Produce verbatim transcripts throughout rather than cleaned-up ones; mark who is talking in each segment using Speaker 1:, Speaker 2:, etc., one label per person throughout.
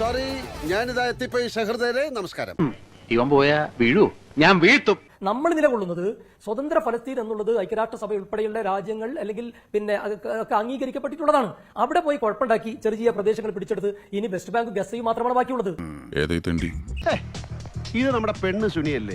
Speaker 1: Sorry, ഞാനിതാ എത്തിപ്പോയി. സഹൃദയരെ നമസ്കാരം.
Speaker 2: ഇവൻ പോയാ വീഴൂ, ഞാൻ വീഴ്ത്തും.
Speaker 3: നമ്മൾ നിലകൊള്ളുന്നത് സ്വതന്ത്ര ഫലസ്തീൻ എന്നുള്ളത് ഐക്യരാഷ്ട്രസഭ ഉൾപ്പെടെയുള്ള രാജ്യങ്ങൾ അല്ലെങ്കിൽ പിന്നെ ഒക്കെ അംഗീകരിക്കപ്പെട്ടിട്ടുള്ളതാണ്. അവിടെ പോയി കുഴപ്പമുണ്ടാക്കി ചെറിയ ചെറിയ പ്രദേശങ്ങൾ പിടിച്ചെടുത്ത് ഇനി വെസ്റ്റ് ബാങ്ക് ഗസയും മാത്രമാണ് ബാക്കിയുള്ളത്.
Speaker 1: ഇത് നമ്മുടെ പെണ്ണ് സുനിയല്ലേ?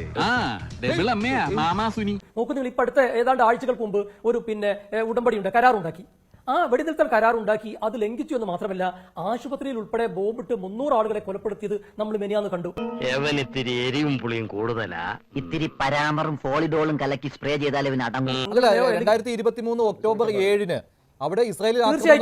Speaker 3: നോക്കൂ, നിങ്ങൾ ഇപ്പൊ അടുത്ത ഏതാണ്ട് ആഴ്ചകൾക്ക് മുമ്പ് ഒരു പിന്നെ ഉടമ്പടിയുണ്ട്, കരാറുണ്ടാക്കി. ആ വെടിനിർത്തൽ കരാറുണ്ടാക്കി അത് ലംഘിച്ചു എന്ന് മാത്രമല്ല ആശുപത്രിയിൽ ഉൾപ്പെടെ ബോംബിട്ട് മുന്നൂറ് ആളുകളെ കൊലപ്പെടുത്തിയത് നമ്മൾ മെനിയാന്ന് കണ്ടു.
Speaker 4: ഇത്തിരി എരിവും പുളിയും കൂടുതലാ. ഇത്തിരി പരാമറും ഫോളിഡോളും കലക്കി സ്പ്രേ ചെയ്താൽ ഇവന് അടങ്ങും.
Speaker 5: രണ്ടായിരത്തി ഇരുപത്തി മൂന്ന് ഒക്ടോബർ ഏഴിന് അവിടെ ഇസ്രായേലിൽ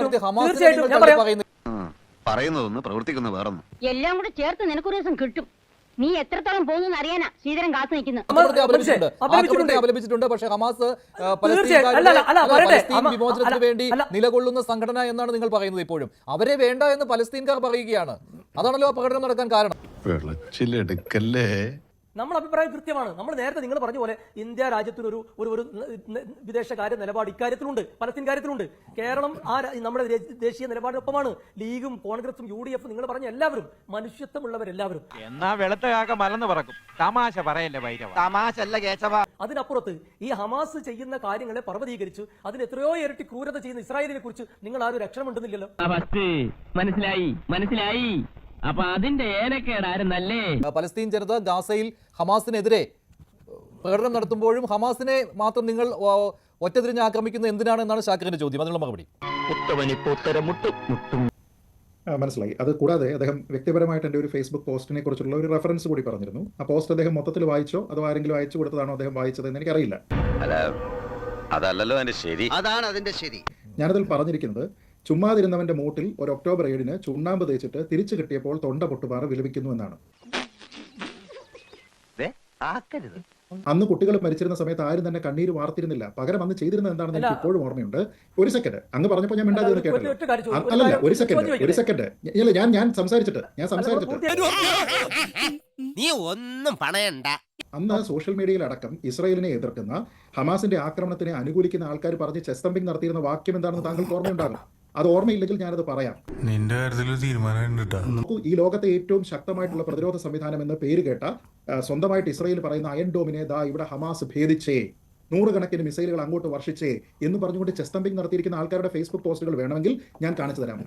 Speaker 1: പറയുന്നതൊന്ന് പ്രവർത്തിക്കുന്ന വേറൊന്നും
Speaker 6: എല്ലാം കൂടെ ചേർത്ത് നിനക്കൊരു ദിവസം കിട്ടും. നീ എത്രത്തോളം പോകുന്നു അറിയാനാ ശ്രീധരൻ കാത്തു നിൽക്കുന്നത്.
Speaker 5: അപലപിച്ചിട്ടുണ്ട്. പക്ഷേ ഹമാസ് പലസ്തീൻ വിമോചനത്തിന് വേണ്ടി നിലകൊള്ളുന്ന സംഘടന എന്നാണ് നിങ്ങൾ പറയുന്നത്. ഇപ്പോഴും അവരെ വേണ്ട എന്ന് പലസ്തീൻകാർ പറയുകയാണ്. അതാണല്ലോ ആ പ്രകടനം നടക്കാൻ കാരണം.
Speaker 3: നമ്മൾ അഭിപ്രായം കൃത്യമാണ്. നമ്മൾ നേരത്തെ നിങ്ങൾ പറഞ്ഞ പോലെ ഇന്ത്യ രാജ്യത്തിനൊരു ഒരു ഒരു വിദേശകാര്യ നിലപാട് ഇക്കാര്യത്തിലുണ്ട്, പലസ്തീൻ കാര്യത്തിലുണ്ട്. കേരളം ആ നമ്മുടെ ദേശീയ നിലപാടിനൊപ്പമാണ്. ലീഗും കോൺഗ്രസും യു ഡി എഫും നിങ്ങൾ പറഞ്ഞ എല്ലാവരും മനുഷ്യത്വമുള്ളവരെല്ലാവരും.
Speaker 7: എന്നാ വെളുത്ത കാക്ക മലന്ന് പറക്കും. തമാശ പറയല്ലേ ഭൈരവ, തമാശ അല്ല കേശവ.
Speaker 3: അതിനപ്പുറത്ത് ഈ ഹമാസ് ചെയ്യുന്ന കാര്യങ്ങളെ പർവ്വതീകരിച്ച് അതിന് എത്രയോ ഇരട്ടി ക്രൂരത ചെയ്യുന്ന ഇസ്രായേലിനെ കുറിച്ച് നിങ്ങൾ ആരും രക്ഷണമെണ്ടുന്നില്ലല്ലോ.
Speaker 4: മനസ്സിലായി മനസ്സിലായി. അപ്പൊ അതിന്റെ ഏനക്കേടായിരുന്നല്ലേ.
Speaker 5: പലസ്തീൻ ജനത ഗാസയിൽ ഹമാസിനെതിരെ പ്രകടനം നടത്തുമ്പോഴും ഹമാസിനെ മാത്രം നിങ്ങൾ ഒറ്റതിരിഞ്ഞ് ആക്രമിക്കുന്നത് എന്തിനാണ് എന്നാണ് ഷാക്കിറിന്റെ ചോദ്യം. അതിനുള്ള മറുപടി
Speaker 8: മനസ്സിലായി. അത് കൂടാതെ അദ്ദേഹം വ്യക്തിപരമായിട്ട് എൻ്റെ ഒരു ഫേസ്ബുക്ക് പോസ്റ്റിനെ കുറിച്ചുള്ള ഒരു റെഫറൻസ് കൂടി പറഞ്ഞിരുന്നു. ആ പോസ്റ്റ് അദ്ദേഹം മൊത്തത്തിൽ വായിച്ചോ അതോ ആരെങ്കിലും അയച്ചു കൊടുത്തതാണോ അദ്ദേഹം വായിച്ചത് എന്ന് എനിക്കറിയില്ല.
Speaker 1: അതല്ലല്ലോ അതിന്റെ ശരി. അതാണ് അതിന്റെ ശരി.
Speaker 8: ഞാനതിൽ പറഞ്ഞിരിക്കുന്നത്, ചുമ്മാതിരുന്നവന്റെ മൂട്ടിൽ ഒരു ഒക്ടോബർ ഏഴിന് ചുണ്ണാമ്പ് തേച്ചിട്ട് തിരിച്ചു കിട്ടിയപ്പോൾ തൊണ്ട പൊട്ടുപാറ വിലപിക്കുന്നു എന്നാണ്. അന്ന് കുട്ടികൾ മരിച്ചിരുന്ന സമയത്ത് ആരും തന്നെ കണ്ണീര് വാർത്തിരുന്നില്ല. പകരം അന്ന് ചെയ്തിരുന്നത് എന്താണെന്ന് എനിക്ക് ഇപ്പോഴും ഓർമ്മയുണ്ട്. ഒരു സെക്കൻഡ് അങ്ങ് പറഞ്ഞപ്പോൾ ഞാൻ മിണ്ടാതെ കേട്ടല്ലോ. അല്ലല്ല, ഒരു സെക്കൻഡ് ഒരു സെക്കൻഡ് ഇല്ല, ഞാൻ ഞാൻ സംസാരിച്ചിട്ട് ഞാൻ സംസാരിച്ചിട്ട്
Speaker 9: നീ ഒന്നും പണയണ്ട.
Speaker 8: അന്ന് സോഷ്യൽ മീഡിയയിൽ അടക്കം ഇസ്രായേലിനെ എതിർക്കുന്ന ഹമാസിന്റെ ആക്രമണത്തിനെ അനുകൂലിക്കുന്ന ആൾക്കാർ പറഞ്ഞ് ചെസ്റ്റമ്പിംഗ് നടത്തിയിരുന്ന വാക്യം എന്താണെന്ന് താങ്കൾക്ക് ഓർമ്മയുണ്ടാകും. അത് ഓർമ്മയില്ലെങ്കിൽ ഞാനത് പറയാം.
Speaker 10: നിന്റെ കാര്യത്തിൽ തീരുമാനം.
Speaker 8: നോക്കൂ, ഈ ലോകത്തെ ഏറ്റവും ശക്തമായിട്ടുള്ള പ്രതിരോധ സംവിധാനം എന്ന് പേര് കേട്ട സ്വന്തമായിട്ട് ഇസ്രായേൽ പറയുന്ന അയൺ ഡോമിനെ ദാ ഇവിടെ ഹമാസ് ഭേദിച്ചേ, നൂറുകണക്കിന് മിസൈലുകൾ അങ്ങോട്ട് വർഷിച്ചേ എന്ന് പറഞ്ഞുകൊണ്ട് ചെസ്റ്റമ്പിംഗ് നടത്തിയിരിക്കുന്ന ആൾക്കാരുടെ ഫേസ്ബുക്ക് പോസ്റ്റുകൾ വേണമെങ്കിൽ ഞാൻ കാണിച്ചു തരാം.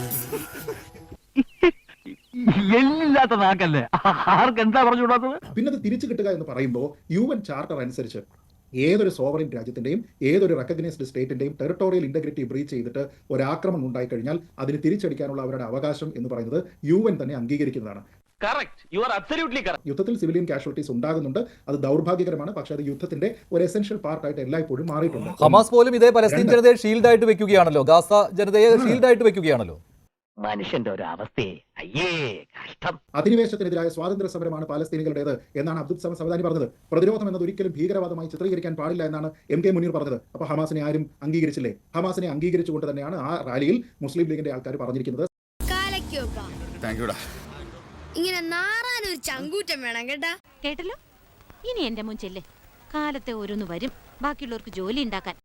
Speaker 8: പിന്നെ അത് തിരിച്ചു കിട്ടുക എന്ന് പറയുമ്പോൾ യു എൻ ചാർട്ടർ അനുസരിച്ച് ഏതൊരു സോവറിൻ രാജ്യത്തിന്റെയും ഏതൊരു റെക്കഗ്നൈസ്ഡ് സ്റ്റേറ്റിന്റെയും ടെറിട്ടോറിയൽ ഇന്റഗ്രിറ്റി ബ്രീച്ച് ചെയ്തിട്ട് ഒരാക്രമണം ഉണ്ടായിക്കഴിഞ്ഞാൽ അതിന് തിരിച്ചടിക്കാനുള്ള അവരുടെ അവകാശം എന്ന് പറയുന്നത് യു എൻ തന്നെ അംഗീകരിക്കുന്നതാണ്. യുദ്ധത്തിൽ സിവിലിയൻ കാഷ്വാലിറ്റീസ് ഉണ്ടാകുന്നുണ്ട്, അത് ദൗർഭാഗ്യകരമാണ്. പക്ഷേ അത് യുദ്ധത്തിന്റെ ഒരു എസെൻഷ്യൽ പാർട്ടായിട്ട് എല്ലായ്പ്പോഴും മാറിയിട്ടുണ്ട്.
Speaker 5: ഹമാസ് പോലും ഇതേ പലസ്തീൻ ജനതയെ ഷീൽഡ് ആയിട്ട് വെക്കുകയാണല്ലോ, ഗാസ ജനതയെ ഷീൽഡ് ആയിട്ട് വെക്കുകയാണല്ലോ.
Speaker 4: മനുഷ്യന്റെ ഒരു അവസ്ഥയെ അയ്യേ കഷ്ടം.
Speaker 8: അധിനിവേശത്തിനെതിരായ സ്വാതന്ത്ര്യ സമരമാണ് പാലസ്തീനികളുടേത് എന്നാണ് അബ്ദുൽ സമദ് സമദാനി പറഞ്ഞത്. പ്രതിരോധം എന്നത് ഒരിക്കലും ഭീകരവാദമായി ചിത്രീകരിക്കാൻ പാടില്ല എന്നാണ് എം കെ മുനീർ പറഞ്ഞത്. അപ്പൊ ഹമാസിനെ ആരും അംഗീകരിച്ചില്ലേ? ഹമാസിനെ അംഗീകരിച്ചുകൊണ്ട് തന്നെയാണ് ആ റാലിയിൽ മുസ്ലിം ലീഗിന്റെ ആൾക്കാർ പറഞ്ഞിരിക്കുന്നത്.
Speaker 6: ഇങ്ങനെ നാറാനൊരു ചങ്കൂറ്റം വേണം കേട്ടാ.
Speaker 11: കേട്ടല്ലോ, ഇനി എന്റെ മുൻ ചെല്ലേ കാലത്തെ ഓരോന്ന് വരും ബാക്കിയുള്ളവർക്ക് ജോലി ഉണ്ടാക്കാൻ.